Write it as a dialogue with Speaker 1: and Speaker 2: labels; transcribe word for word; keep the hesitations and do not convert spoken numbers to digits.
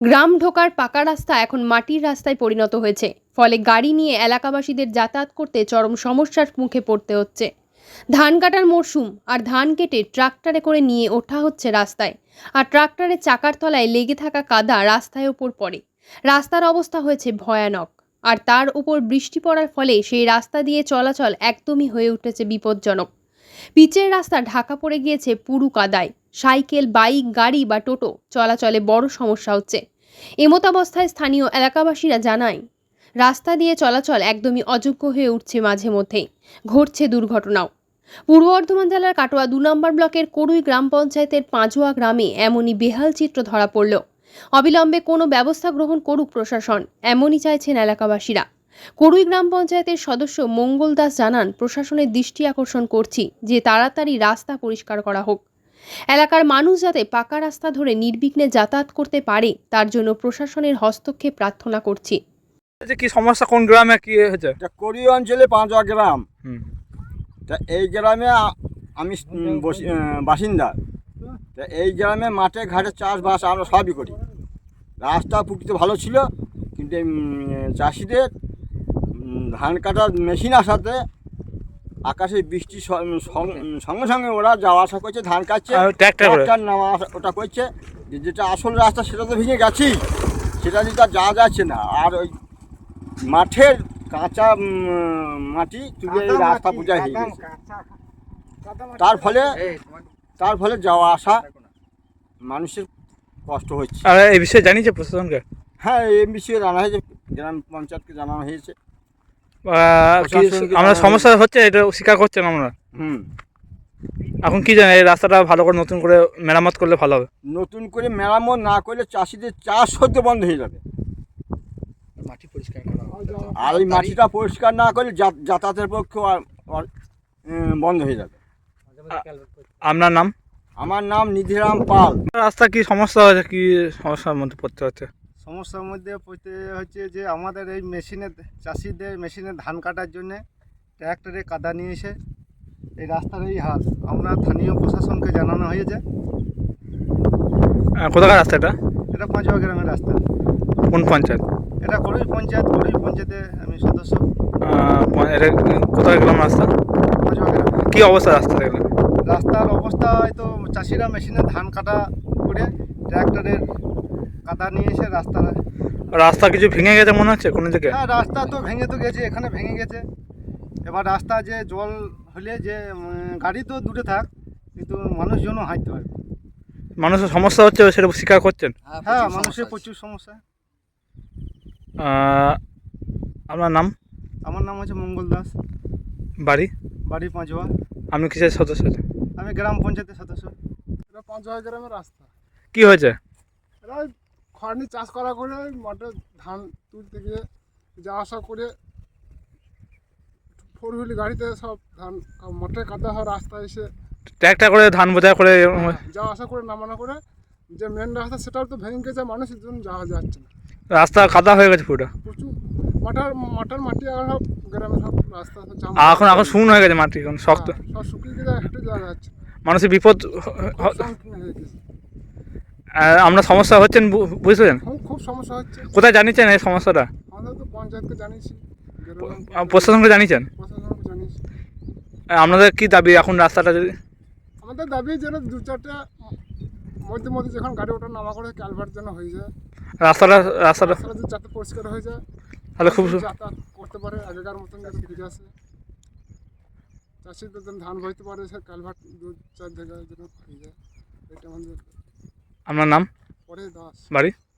Speaker 1: গ্রাম ঢোকার পাকা রাস্তা এখন মাটির রাস্তায় পরিণত হয়েছে। ফলে গাড়ি নিয়ে এলাকাবাসীদের যাতায়াত করতে চরম সমস্যার মুখে পড়তে হচ্ছে। ধান কাটার মরশুম, আর ধান কেটে ট্রাক্টরে করে নিয়ে ওঠা হচ্ছে রাস্তায়, আর ট্রাক্টরের চাকার তলায় লেগে থাকা কাদা রাস্তায় ওপর পড়ে। রাস্তার অবস্থা হয়েছে ভয়ানক, আর তার উপর বৃষ্টি পড়ার ফলে সেই রাস্তা দিয়ে চলাচল একদমই হয়ে উঠেছে বিপজ্জনক। পিচের রাস্তা ঢাকা পড়ে গিয়েছে পুরু কাদায়। সাইকেল, বাইক, গাড়ি বা টোটো চলাচলে বড় সমস্যা হচ্ছে। এমতাবস্থায় স্থানীয় এলাকাবাসীরা জানায়, রাস্তা দিয়ে চলাচল একদমই অযোগ্য হয়ে উঠছে, মাঝে মধ্যেই ঘটছে দুর্ঘটনাও। পূর্ব বর্ধমান জেলার কাটোয়া দু নম্বর ব্লকের করুই গ্রাম পঞ্চায়েতের পাঁচুয়া গ্রামে এমনই বেহাল চিত্র ধরা পড়ল। অবিলম্বে কোনো ব্যবস্থা গ্রহণ করুক প্রশাসন, এমনই চাইছেন এলাকাবাসীরা। করুই গ্রাম পঞ্চায়েতের সদস্য মঙ্গল দাস জানান, প্রশাসনের দৃষ্টি আকর্ষণ করছি যে তাড়াতাড়ি রাস্তা পরিষ্কার করা হোক। এলাকার মানুষ যাতে পাকা রাস্তা ধরে নির্বিঘ্নে যাতায়াত করতে পারে, তার জন্য প্রশাসনের হস্তক্ষেপ প্রার্থনা করছি।
Speaker 2: কি সমস্যা, কোন গ্রামে কি হয়েছে?
Speaker 3: কোরি অঞ্চলে পাঁচুয়া গ্রাম। তা এই গ্রামে আমি বাসিন্দা। তা এই গ্রামে মাঠে ঘাটে চাষবাস আমরা সবই করি। রাস্তা প্রকৃতি ভালো ছিল, কিন্তু চাষিদের ধান কাটার মেশিন আসাতে আকাশে বৃষ্টি সঙ্গে সঙ্গে ওরা যাওয়া আসা করছে, ধান কাটছে, ট্রাক্টর নামা ওটা করছে। যেটা আসল রাস্তা সেটা তো ভেঙে গেছি, সেটা দিয়ে তার যাওয়া যাচ্ছে না। আর ওই মাঠের কাঁচা মাটি তুলে এই রাস্তা বোঝা হয়ে গেছে। তার ফলে তার ফলে যাওয়া আসা মানুষের কষ্ট হচ্ছে।
Speaker 2: আর এই বিষয়ে জানিয়েছে প্রশাসনকে?
Speaker 3: হ্যাঁ, এই বিষয়ে জানা হয়েছে, গ্রাম পঞ্চায়েতকে জানানো হয়েছে।
Speaker 2: আমরা সমস্যা হচ্ছে এটা স্বীকার করছেন আমরা।
Speaker 3: হুম
Speaker 2: এখন কি জানেন, এই রাস্তাটা ভালো করে নতুন করে মেরামত করলে ভালো হবে।
Speaker 3: নতুন করে মেরামত না করলে চাষিদের চাষ হতে বন্ধ হয়ে যাবে।
Speaker 2: মাটি পরিষ্কার করা,
Speaker 3: আর ওই মাটিটা পরিষ্কার না করলে যাতায়াতের পক্ষে বন্ধ হয়ে যাবে।
Speaker 2: আপনার নাম?
Speaker 3: আমার নাম নিধিরাম পাল।
Speaker 2: রাস্তা কি সমস্যা হচ্ছে, কি সমস্যার মধ্যে পড়তে হচ্ছে?
Speaker 4: সমস্যার মধ্যে পড়তে হচ্ছে যে আমাদের এই মেশিনে, চাষিদের মেশিনে ধান কাটার জন্যে ট্র্যাক্টরে কাদা নিয়ে এসে এই রাস্তার এই হাল। আমরা স্থানীয় প্রশাসনকে জানানো হয়েছে।
Speaker 2: কোথাকার রাস্তা এটা?
Speaker 4: এটা পাঁচুয়া গ্রামের রাস্তা।
Speaker 2: কোন পঞ্চায়েত?
Speaker 4: এটা করুই পঞ্চায়েত। করুই পঞ্চায়েতে আমি সদস্য।
Speaker 2: এটা কোথায় গ্রাম রাস্তা?
Speaker 4: পাঁচুয়া গ্রাম।
Speaker 2: কী অবস্থা রাস্তা?
Speaker 4: রাস্তার অবস্থা হয়তো চাষিরা মেশিনে ধান কাটা করে ট্র্যাক্টরের কাদা নিয়ে এসে রাস্তা
Speaker 2: রাস্তা কিছু ভেঙে গেছে মনে হচ্ছে কোনো দিকে?
Speaker 4: হ্যাঁ, রাস্তা তো ভেঙে তো গেছে, এখানে ভেঙে গেছে। এবার রাস্তা যে জল হলে যে গাড়ি তো দূরে থাক, কিন্তু মানুষজনও হাঁটতে পারবে।
Speaker 2: মানুষের সমস্যা হচ্ছে সেটা স্বীকার করছেন?
Speaker 4: হ্যাঁ, মানুষের প্রচুর সমস্যা।
Speaker 2: আপনার নাম?
Speaker 4: আমার নাম হচ্ছে মঙ্গল দাস।
Speaker 2: বাড়ি?
Speaker 4: বাড়ি পাঁচুয়া।
Speaker 2: আপনি কিসের সদস্য?
Speaker 4: আমি গ্রাম পঞ্চায়েতের সদস্য।
Speaker 5: এটা পাঁচুয়া গ্রামের রাস্তা।
Speaker 2: কি হয়েছে?
Speaker 5: এরা খড়নি চাষ করা করে মাঠে ধান তুলতে গিয়ে যাওয়া আসা করে ফোর হুইল গাড়িতে সব ধান মাঠে কাদা হওয়া রাস্তায় এসে
Speaker 2: ট্র্যাক্টর করে ধান বোঝাই করে
Speaker 5: যাওয়া আসা করে নামানো করে যে মেন রাস্তা সেটাও তো ভেঙে গেছে, মানুষের জন্য যাওয়া যাচ্ছে না।
Speaker 2: রাস্তা কাদা হয়ে গেছে পুরো।
Speaker 5: প্রচুর মাঠার মাঠার মাটি আর সব গ্রামের সব রাস্তা
Speaker 2: এখন এখন শুকনো হয়ে গেছে মাটি, এখন শক্ত,
Speaker 5: সব শুকিয়ে গেছে, হেঁটে যাওয়া যাচ্ছে।
Speaker 2: মানুষের বিপদ
Speaker 5: হয়ে গেছে।
Speaker 2: আমরা সমস্যা হচ্ছেন বুঝলেন?
Speaker 5: খুব সমস্যা হচ্ছে।
Speaker 2: কোথায় জানিয়েছেন এই সমস্যাটা?
Speaker 5: আমরা তো পঞ্চায়েতকে জানিয়েছি,
Speaker 2: প্রশাসনকে জানিয়েছেন?
Speaker 5: প্রশাসনকে জানিয়েছি।
Speaker 2: আপনাদের কি দাবি এখন রাস্তাটা যদি?
Speaker 5: আমাদের দাবি যেন দু চারটা মধ্যে মধ্যে যখন গাড়ি ওঠা নামা করে ক্যালভার্ট যেন হয়ে যায়,
Speaker 2: রাস্তাটা রাস্তাটা
Speaker 5: যাতে পরিষ্কার হয়ে যায়,
Speaker 2: তাহলে খুব
Speaker 5: যাতায়াত করতে পারে আগেকার মতন যাতে ফিরে আসে, চাষিদের যেন ধান বইতে পারে, সে ক্যালভার্ট দু চার জায়গায় যেন হয়ে যায়, এটা আমাদের।
Speaker 2: আপনার নাম?
Speaker 5: পরে দাস।
Speaker 2: বাড়ি?